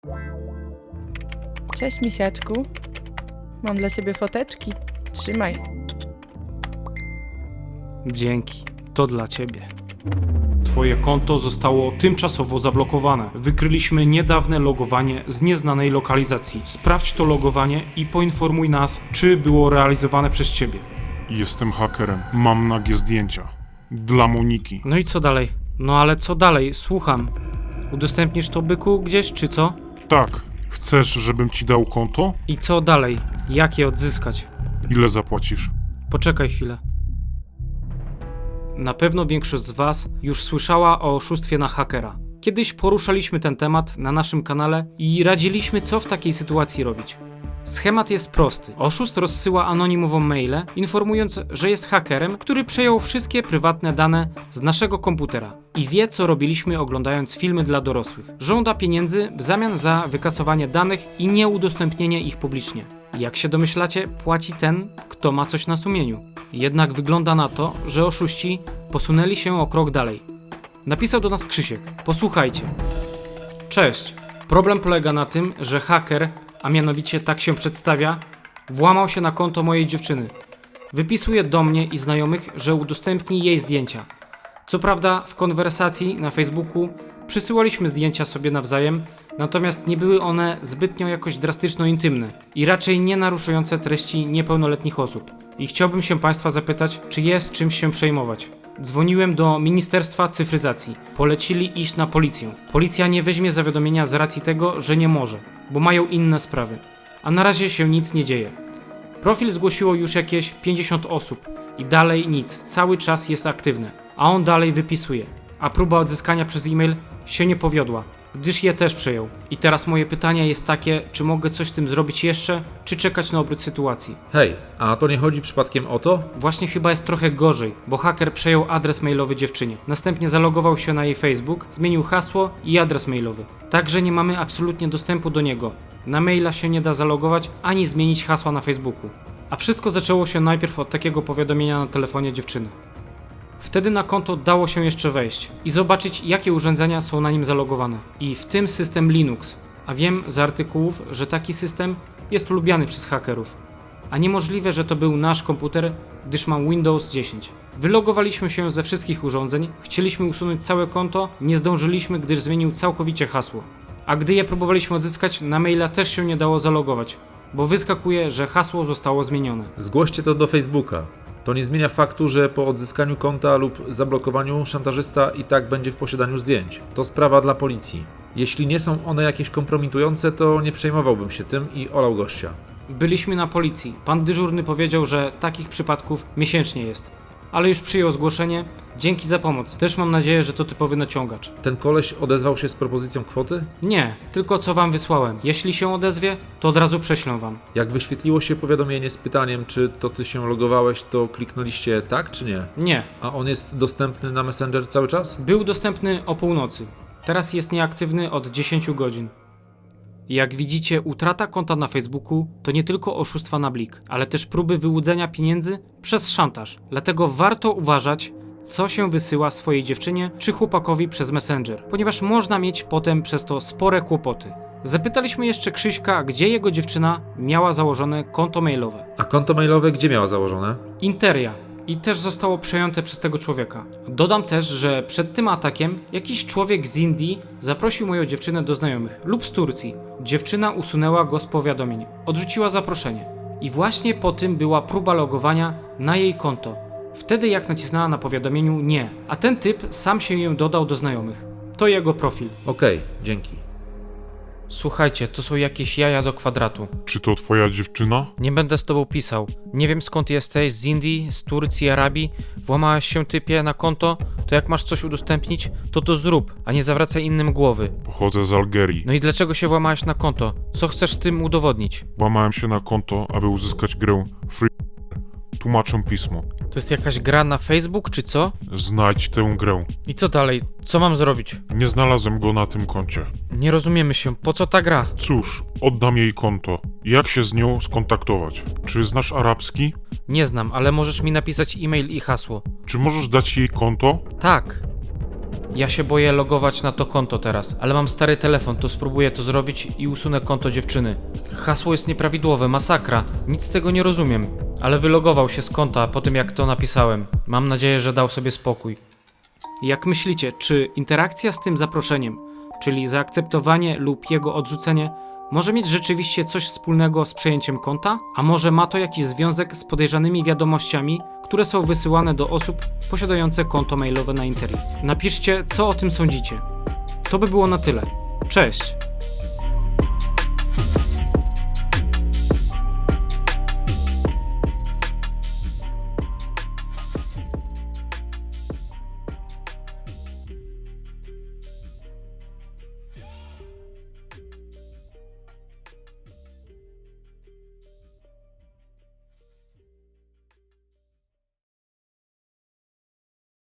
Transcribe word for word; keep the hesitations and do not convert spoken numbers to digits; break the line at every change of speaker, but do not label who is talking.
Cześć, misiaczku. Mam dla ciebie foteczki. Trzymaj.
Dzięki, to dla ciebie. Twoje konto zostało tymczasowo zablokowane. Wykryliśmy niedawne logowanie z nieznanej lokalizacji. Sprawdź to logowanie i poinformuj nas, czy było realizowane przez ciebie.
Jestem hakerem. Mam nagie zdjęcia. Dla Moniki.
No i co dalej? No ale co dalej? Słucham. Udostępnisz to, byku, gdzieś, czy co?
Tak. Chcesz, żebym ci dał konto?
I co dalej? Jak je odzyskać?
Ile zapłacisz?
Poczekaj chwilę. Na pewno większość z was już słyszała o oszustwie na hakera. Kiedyś poruszaliśmy ten temat na naszym kanale i radziliśmy, co w takiej sytuacji robić. Schemat jest prosty. Oszust rozsyła anonimową mailę, informując, że jest hakerem, który przejął wszystkie prywatne dane z naszego komputera i wie, co robiliśmy oglądając filmy dla dorosłych. Żąda pieniędzy w zamian za wykasowanie danych i nieudostępnienie ich publicznie. Jak się domyślacie, płaci ten, kto ma coś na sumieniu. Jednak wygląda na to, że oszuści posunęli się o krok dalej. Napisał do nas Krzysiek. Posłuchajcie. Cześć. Problem polega na tym, że haker, a mianowicie tak się przedstawia, włamał się na konto mojej dziewczyny. Wypisuje do mnie i znajomych, że udostępni jej zdjęcia. Co prawda w konwersacji na Facebooku przysyłaliśmy zdjęcia sobie nawzajem, natomiast nie były one zbytnio jakoś drastyczno intymne i raczej nie naruszające treści niepełnoletnich osób. I chciałbym się Państwa zapytać, czy jest czymś się przejmować. Dzwoniłem do Ministerstwa Cyfryzacji. Polecili iść na policję. Policja nie weźmie zawiadomienia z racji tego, że nie może, bo mają inne sprawy. A na razie się nic nie dzieje. Profil zgłosiło już jakieś pięćdziesiąt osób i dalej nic, cały czas jest aktywny. A on dalej wypisuje. A próba odzyskania przez e-mail się nie powiodła, gdyż je też przejął. I teraz moje pytanie jest takie, czy mogę coś z tym zrobić jeszcze, czy czekać na obrót sytuacji?
Hej, a to nie chodzi przypadkiem o to?
Właśnie chyba jest trochę gorzej, bo haker przejął adres mailowy dziewczynie. Następnie zalogował się na jej Facebook, zmienił hasło i adres mailowy. Także nie mamy absolutnie dostępu do niego. Na maila się nie da zalogować, ani zmienić hasła na Facebooku. A wszystko zaczęło się najpierw od takiego powiadomienia na telefonie dziewczyny. Wtedy na konto dało się jeszcze wejść i zobaczyć, jakie urządzenia są na nim zalogowane. I w tym system Linux. A wiem z artykułów, że taki system jest lubiany przez hakerów. A niemożliwe, że to był nasz komputer, gdyż mam Windows dziesięć. Wylogowaliśmy się ze wszystkich urządzeń, chcieliśmy usunąć całe konto, nie zdążyliśmy, gdyż zmienił całkowicie hasło. A gdy je próbowaliśmy odzyskać, na maila też się nie dało zalogować, bo wyskakuje, że hasło zostało zmienione.
Zgłoście to do Facebooka. To nie zmienia faktu, że po odzyskaniu konta lub zablokowaniu szantażysta i tak będzie w posiadaniu zdjęć. To sprawa dla policji. Jeśli nie są one jakieś kompromitujące, to nie przejmowałbym się tym i olał gościa.
Byliśmy na policji. Pan dyżurny powiedział, że takich przypadków miesięcznie jest. Ale już przyjął zgłoszenie. Dzięki za pomoc. Też mam nadzieję, że to typowy naciągacz.
Ten koleś odezwał się z propozycją kwoty?
Nie, tylko co wam wysłałem. Jeśli się odezwie, to od razu prześlę wam.
Jak wyświetliło się powiadomienie z pytaniem, czy to ty się logowałeś, to kliknęliście tak czy nie?
Nie,
A on jest dostępny na Messenger cały czas?
był dostępny o północy. Teraz jest nieaktywny od dziesięciu godzin. Jak widzicie, utrata konta na Facebooku to nie tylko oszustwa na blik, ale też próby wyłudzenia pieniędzy przez szantaż. Dlatego warto uważać, co się wysyła swojej dziewczynie czy chłopakowi przez Messenger, ponieważ można mieć potem przez to spore kłopoty. Zapytaliśmy jeszcze Krzyśka, gdzie jego dziewczyna miała założone konto mailowe.
A konto mailowe gdzie miała założone?
Interia. I też zostało przejęte przez tego człowieka. Dodam też, że przed tym atakiem jakiś człowiek z Indii zaprosił moją dziewczynę do znajomych lub z Turcji. Dziewczyna usunęła go z powiadomień, odrzuciła zaproszenie. I właśnie po tym była próba logowania na jej konto. Wtedy jak nacisnęła na powiadomieniu nie, a ten typ sam się ją dodał do znajomych. To jego profil.
Okej, dzięki.
Słuchajcie, to są jakieś jaja do kwadratu.
Czy to twoja dziewczyna?
Nie będę z tobą pisał. Nie wiem skąd jesteś, z Indii, z Turcji, Arabii. Włamałeś się typie na konto, to jak masz coś udostępnić, to to zrób, a nie zawracaj innym głowy.
Pochodzę z Algierii.
No i dlaczego się włamałeś na konto? Co chcesz tym udowodnić?
Włamałem się na konto, aby uzyskać grę Free. Tłumaczę pismo.
To jest jakaś gra na Facebook, czy co?
Znajdź tę grę.
I co dalej? Co mam zrobić?
Nie znalazłem go na tym koncie.
Nie rozumiemy się, po co ta gra?
Cóż, oddam jej konto. Jak się z nią skontaktować? Czy znasz arabski?
Nie znam, ale możesz mi napisać e-mail i hasło.
Czy możesz dać jej konto?
Tak. Ja się boję logować na to konto teraz, ale mam stary telefon, to spróbuję to zrobić i usunę konto dziewczyny. Hasło jest nieprawidłowe, masakra. Nic z tego nie rozumiem. Ale wylogował się z konta po tym, jak to napisałem. Mam nadzieję, że dał sobie spokój. Jak myślicie, czy interakcja z tym zaproszeniem, czyli zaakceptowanie lub jego odrzucenie, może mieć rzeczywiście coś wspólnego z przejęciem konta? A może ma to jakiś związek z podejrzanymi wiadomościami, które są wysyłane do osób posiadających konto mailowe na Interi? Napiszcie, co o tym sądzicie. To by było na tyle. Cześć!